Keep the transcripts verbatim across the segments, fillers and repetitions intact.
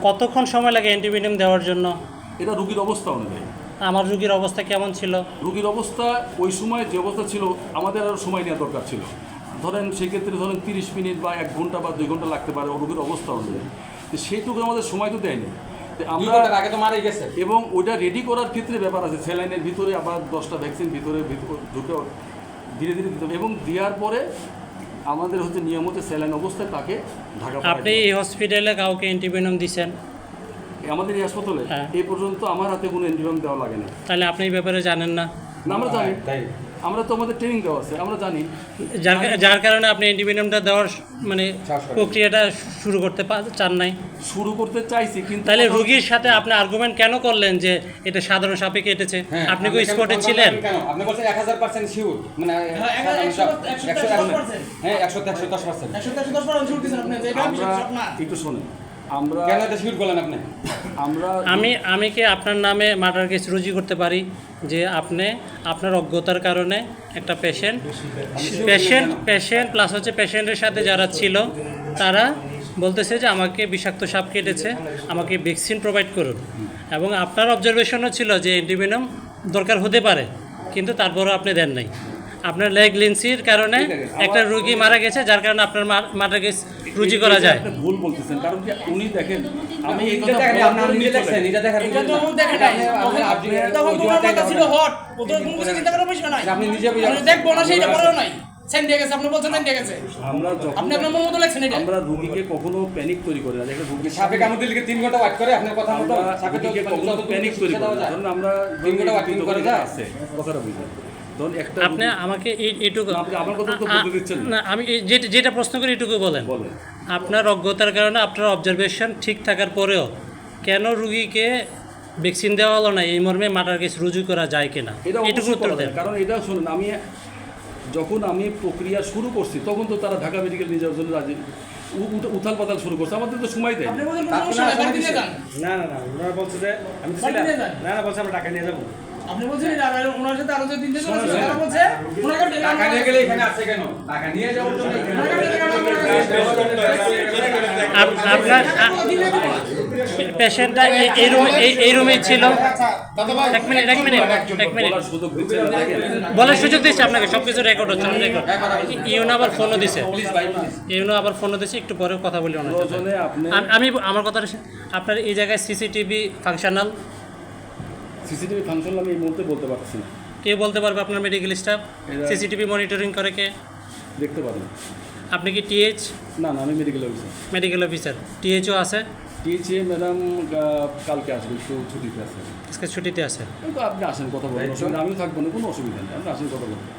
কতক্ষণ সময় লাগে অ্যান্টিভেনম দেওয়ার জন্য? এটা রুগীর অবস্থা অনুযায়ী। আমার রুগীর অবস্থা কেমন ছিল? রুগীর অবস্থা ওই সময় যে অবস্থা ছিল আমাদের আরও সময় নেওয়া দরকার ছিল। ধরেন সেক্ষেত্রে ধরেন তিরিশ মিনিট বা এক ঘন্টা বা দুই ঘন্টা লাগতে পারে রুগীর অবস্থা অনুযায়ী। তো সেইটুকু আমাদের সময় তো দেয়নি। আমরা আগে তো মারাই গেছে এবং ওইটা রেডি করার ক্ষেত্রে ব্যাপার আছে, স্যালাইনের ভিতরে আবার দশটা ভ্যাকসিন ভিতরে ঢুকে ধীরে ধীরে দিতে হবে এবং দেওয়ার পরে আমাদের হচ্ছে নিয়মিত স্যালাইন অবস্থায় তাকে ঢাকা। আপনি এই হসপিটালে কাউকে অ্যান্টিভেনম দিচ্ছেন? আমাদের এই হাসপাতালে হ্যাঁ। এই পর্যন্ত আমার হাতে কোনো অ্যান্টিভেনম দেওয়া লাগে না। তাহলে আপনি এই ব্যাপারে জানেন না? না, আমরা জানি, তাই আমরা তো আমাদের ট্রেনিং দেওয়া আছে, আমরা জানি। যার যার কারণে আপনি অ্যান্টিভেনমটা দেওয়ার মানে প্রক্রিয়াটা শুরু করতে পা- চান নাই? শুরু করতে চাইছি কিন্তু তাহলে রুগীর সাথে আপনি আর্গুমেন্ট কেন করলেন যে এটা সাধারণ সাপে কেটেছে? আপনি কি স্পটে ছিলেন? আপনি বলছেন এক হাজার পার্সেন্ট শিওর, মানে হ্যাঁ একশো একশো দশ পার্সেন্ট আমরা একটু শোনেন, আমরা কেন এটা শিওর বলেন আপনি? আমরা আমি আমি কি আপনার নামে মার্ডার কেস রুজু করতে পারি যে আপনি আপনার অজ্ঞতার কারণে একটা পেশেন্ট পেশেন্ট পেশেন্ট প্লাস হচ্ছে পেশেন্টের সাথে যারা ছিল তারা বলতেছে যে আমাকে বিষাক্ত সাপ কেটেছে, আমাকে ভ্যাকসিন প্রোভাইড করুন, এবং আপনার অবজারভেশনও ছিল যে অ্যান্টিভেনম দরকার হতে পারে, কিন্তু তারপরেও আপনি দেন নাই। আপনার লেগ লিন্সির কারণে একটা রুগী মারা গেছে, যার কারণে আপনার মার্ডার কেস রুজু করা যায়। আপনি ভুল বলতেছেন, কারণ কি উনি দেখেন আমি এই এটা কথা দেখেন, বলার আপনারা পর নিজে উনি দেখছেন, চলে এটা দেখেন, এটা তো দেখে নাই। আপনি আপনি তখন তোমার কথা ছিল হট, ও তো কোনো কিছু চিন্তা করার বিষয় নাই। আপনি নিজে বুঝে আমি দেখবো না সেইটা করেও নাই। সেন্ড দিয়ে গেছে, আপনি বলছেন সেন্ড দিয়ে গেছে। আমরা যখন আপনি আপনার মন মতো লেখছেন এটা। আমরা রোগীকে কখনো প্যানিক তৈরি করি না। দেখেন রোগীর সাপে কামড় দিলে তিন ঘন্টা ওয়েট করে আপনার কথা মতো আমরা সাপে তো রোগীকে কখনো প্যানিক তৈরি করি না। ধরুন আমরা তিন ঘন্টা ওয়েট করে যায় আছে কথাটা বুঝলেন। ধরুন একটা আপনি আমাকে এই এইটুকু আপনি আমার কথা তো বলতে দিচ্ছেন না। না, আমি এই যেটা যেটা প্রশ্ন করি এটুকু বলেন। বলেন আপনার অজ্ঞতার কারণে আপনার অবজারভেশন ঠিক থাকার পরেও কেন রুগীকে ভ্যাকসিন দেওয়া হলো না, এই মর্মে মার্ডার কেস রুজু করা যায় কিনা, এটা এটুকু অবশ্যই উত্তর করা দেন। যায়। কারণ এটা শুনুন, আমি যখন আমি প্রক্রিয়া শুরু করছি তখন তো তারা ঢাকা মেডিকেল নিয়ে যাওয়ার জন্য রাজি উথাল পাতাল শুরু করছে, আমাদের তো সময় দেয় আপনি বলছেন কোনো সমস্যা নাই, বাড়িতে নিয়ে যান। না না না ওনারা বলছে যে আমি তো বাড়িতে ছিলাম নিয়ে যান। না না বলছে আমরা টাকা নিয়ে যাবো। আপনি বলছেন এটা, আর ওনার সাথে আরো যে তিনটে জন আছে, তারা বলছে ওনাকে ডেকে টাকা আনা নিয়ে হয়েছে। গেলে এখানে আছে কেন? টাকা নিয়ে যাওয়ার জন্য এখানে ওনাকে ডেকে আনা হয়েছে। আপ- আপনার পেশেন্টটা এই রুমে এই রুমেই ছিল। এক মিনিট এক মিনিট এক মিনিট বলার সুযোগ দিচ্ছে না। দেখেন বলার সুযোগ দিচ্ছে আপনাকে, সব কিছু রেকর্ড হচ্ছে রেকর্ড। ইউনো আবার ফোনও দিছে, প্লিজ ভাই প্লিজ ইউনো আবার ফোনও দিছে, একটু পরে কথা বলি ওনার সাথে। প্রয়োজনে আপনি আম- আমি আমার কথা আপনার এই জায়গায় সিসিটিভি ফাংশনাল সিসিটিভি ফাংশন আমি এই মুহূর্তে বলতে পারছি না, কে বলতে পারবে? আপনার মেডিকেল স্টাফ এরা- সিসিটিভি মনিটরিং করে কে? দেখতে পারেন। আপনি কি টিএইচ না না আমি medical officer. Medical officer? THO আছে? টিএচএ ম্যাডাম কালকে আসবে, একটু ছুটিতে আছে। আজকে ছুটিতে আছে। কিন্তু আপনি আসেন কথা বলবেন, অসুবিধা আমিও থাকবো না, কোনো অসুবিধা নেই, আপনি আসেন কথা বলবেন।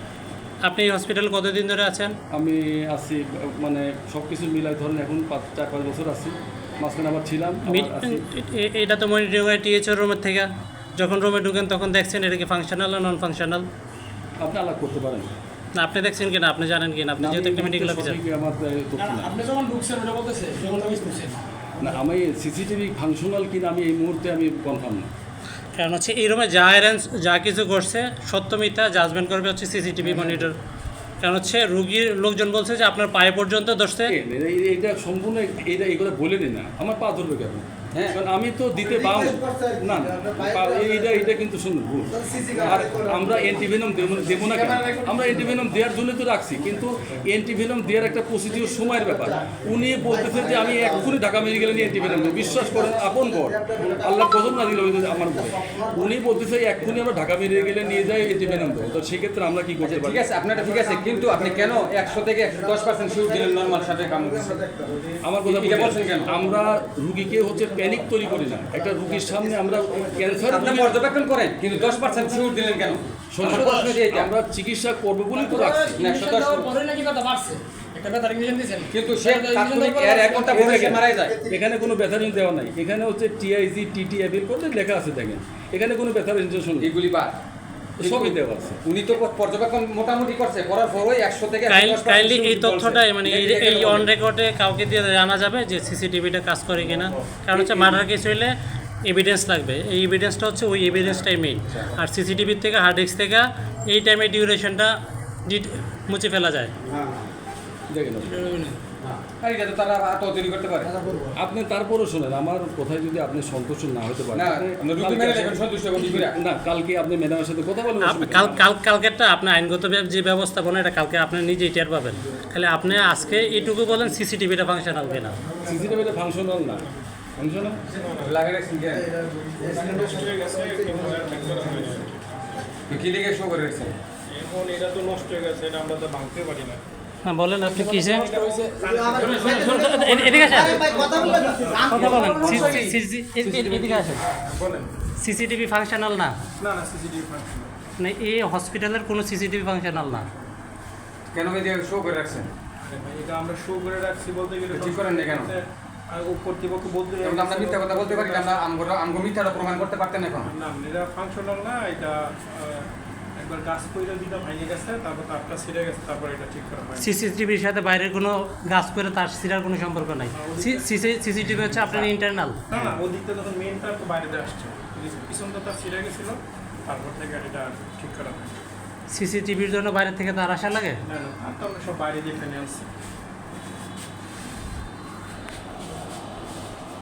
আপনি এই হসপিটালে কতদিন ধরে আছেন? আমি আছি মানে সব কিছু মিলাই ধরেন এখন পাঁচ চার পাঁচ বছর আছি, মাঝখানে আবার ছিলাম আবার মি- আছি। এ- এটা তো মনিটরিং হয় টিএইচও রুমের থেকে। যখন রুমে ঢুকেন তখন দেখছেন এটা কি ফাংশনাল না নন ফাংশনাল? আপনি আলাপ করতে পারেন না আপনি দেখছেন কিনা, আপনি জানেন কিনা? আপনি যেহেতু একটা মেডিকেল অফিসার। সঠিক আমার আহ, তথ্য না, না, নাই। আপনি যখন ঢুকছেন ওটা বলতেছে, যখন মিস করছেন। না আমি সিসিটিভি ফাংশনাল কিনা আমি এই মুহূর্তে আমি কনফার্ম না। কারণ হচ্ছে এই রুমে যা অ্যারেঞ্জ যা কিছু করছে সত্য মিথ্যা জাজমেন্ট করবে হচ্ছে সিসিটিভি মনিটর। কারণ হচ্ছে রুগীর লোকজন বলছে যে আপনার পায়ে পর্যন্ত ধরছে। এ, এই- এইটা সম্পূর্ণ এইটা এগুলো বলে নিন না, আমার পা ধরবে কেন? হ্যাঁ। কারণ আমি তো দিতে পাবো না না, পা- এইটা এইটা কিন্তু শুনুন ভুল। আর আমরা অ্যান্টিভেনম দেবো দেবো না কেন? আমরা অ্যান্টিভেনম দেওয়ার জন্য তো রাখছি, কিন্তু অ্যান্টিভেনম দেওয়ার একটা প্রসিডিওর সময়ের ব্যাপার। উনি বলতেছেন যে আমি এক্ষুনি ঢাকা মেডিকেলে নিয়ে অ্যান্টিভেনম দেবো, বিশ্বাস করেন আপন ঘর আল্লাহ গজব না দিল আমার ঘরে। উনি বলতেছে এক্ষুনি আমরা ঢাকা মেডিকেলে নিয়ে যাই অ্যান্টিভেনম দেবো, তো সেক্ষেত্রে আমরা কি করতে পারি? ঠিক আছে আপনারটা ঠিক আছে, কিন্তু আপনি কেন একশো থেকে একশো দশ পার্সেন্ট শিওর দিলেন নর্মাল সাপে কামড় দিচ্ছে? আমার কথা এটা বুঝলেন? বলছেন কেন? আমরা রুগীকে হচ্ছে প্যানিক তৈরি করি না। একটা রুগীর সামনে আমরা ক্যান্সার আপনি পর্যবেক্ষণ করেন কিন্তু দশ পার্সেন্ট শিওর দিলেন কেন? আমার প্রশ্ন যে এটা। আমরা চিকিৎসা করবো বলেই তো রাখছি। ইঞ্জেকশন দেওয়ার পরে নাকি ব্যথা বাড়ছে। একটা ব্যথার ইঞ্জেকশন দিয়েছেন। কিন্তু সে তাৎক্ষণিক এর এক ঘন্টা পরে সে মারা যায়। এখানে কোনো ব্যথার ইঞ্জেকশন দেওয়া নাই, এখানে হচ্ছে টিআইজি টিটি এবির করতে লেখা আছে দেখেন, এখানে কোনো ব্যথার ইঞ্জেকশন নেই, এগুলি বাদ সবই দেওয়া আছে। উনি তো পর্যবেক্ষণ মোটামুটি করছে, করার পরই একশো থেকে কাইন্ডলি এই তথ্যটাই মানে এই এই অন রেকর্ডে কাউকে দিয়ে জানা যাবে যে সিসিটিভিটা কাজ করে কিনা। কারণ হচ্ছে মার্ডার কেস হইলে এভিডেন্স লাগবে, এই এভিডেন্সটা হচ্ছে ওই এভিডেন্সটাই মেইন। আর সিসিটিভির থেকে হার্ড ডিস্ক থেকে এই টাইমে ডিউরেশনটা মুছে ফেলা যায়। দেখেন আর এটা তো তারা আত্ম তৈরি করতে পারে আপনি তারপরও শোনেন আমার কথায় যদি আপনি সন্তুষ্ট না হতে পারেন না আপনি- আমরা রুগী মেনে দেখেন সন্তুষ্ট হবে কি করে না কালকে আপনি ম্যাডামের সাথে কথা বলেন আপ- কাল কাল কালকেরটা আপনার আইনগত ব্যাপ- যে ব্যবস্থাপনা এটা কালকে আপনি নিজেই টের পাবেন। খালি আপনি আজকে এইটুকু বলেন সিসিটিভিটা ফাংশনাল কিনা। সিসিটিভিটা ফাংশনাল না ফাংশনাল লাগে রাখছেন কেন কি লিখে শো করে রাখছেন এখন এটা তো নষ্ট হয়ে গেছে, এটা আমরা তো ভাঙতে পারি না। হ্যাঁ বলেন আপনি কিসে এদিকে আসেন কথা বলেন সি- সি- সি- সি- এ- এদিকে আসেন বলেন। সিসিটিভি ফাংশনাল না না না সিসিটিভি ফাংশন মানে এই হসপিটালের কোনো সিসিটিভি ফাংশনাল না। কেন এই দিয়ে শো করে রাখছেন এটা আমরা শো করে রাখছি বলতে গেলে ঠিক করেন না কেন? আর ও কর্তৃপক্ষ বলতে যেমন আমরা মিথ্যা কথা বলতে পারি না, আমরা আমগো আমগো মিথ্যাটা প্রমাণ করতে পারতেন এখন না এটা ফাংশনাল না, এটা আহ, একবার গাছ কইরা দিটা ভেঙে গেছে, তারপর তারটা ছিঁড়ে গেছে, তারপর এটা ঠিক করা হয়। সিসিটিভির সাথে বাইরের কোনো গাছ করে তার সিরার কোনো সম্পর্ক নাই। সিসিটিভি হচ্ছে আপনার ইন্টারনাল। না না ওদিকটা যখন মেনটা তো বাইরে দিয়ে আসছে, পিছনটা তার ছিঁড়ে গেছিল, তারপর থেকে এটা ঠিক করা হয়। সিসিটিভির জন্য বাইরে থেকে তার আসা লাগে। না না আর তো আমরা সব বাইরে দিয়ে এখানে আসছি।